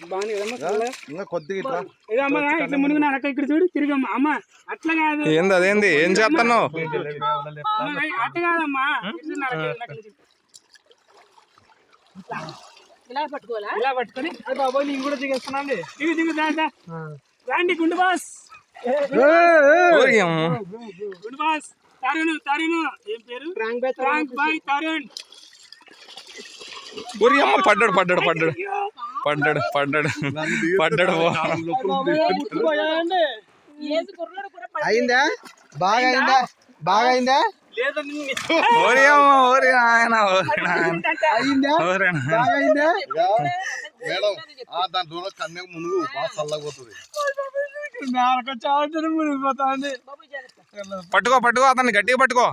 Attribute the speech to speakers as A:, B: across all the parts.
A: బాగుంది కదమ్మా
B: ఇంకా కొద్దిగా
A: ఇదమ్మా ఇట్లా మునుగు అక్క ఇక్కడ చూడు తిరిగమ్మా అమ్మ అట్లా కాదు
C: ఏంది అదేంది ఏం చేస్తున్నావు
A: అట్లా కాదమ్మా
D: ఇలా పట్టుకోవాలా
A: ఇలా పట్టుకొని అది బాబోయ్ నేను కూడా దిగేస్తున్నాండి దిగు రాండి గుండు బాస్ గుండు బాస్ తరుణ్ ఏం పేరు ఫ్రాంక్ బాయ్ తరుణ్
C: ఊరి అమ్మ పడ్డాడు
B: అయిందా బాగా అయిందా
C: ఓరి అమ్మ ఓరి నాయన
B: మేడం దాని దూరం కన్యకు మునుగు బాగా చల్లకపోతుంది
C: పట్టుకో అతన్ని గట్టిగా పట్టుకో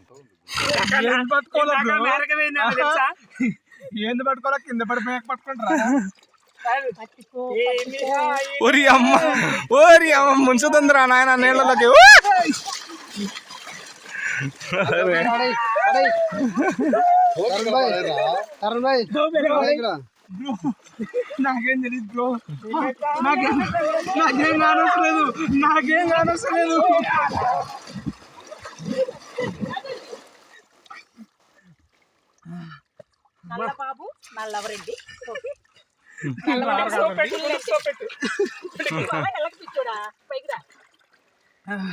A: ఏంది పట్టుకోలే కింద పడిపోయాక పట్టుకుంటారా
C: ఓరి అమ్మ ముంచుతుందిరా నాయన నీళ్ళలోకి
A: నాకేం తెలియదు బ్రో నాకేం కానొస్తలేదు
D: నల్ల బాబు నల్లవరెడ్డి
A: పెట్టు
D: పైకి రా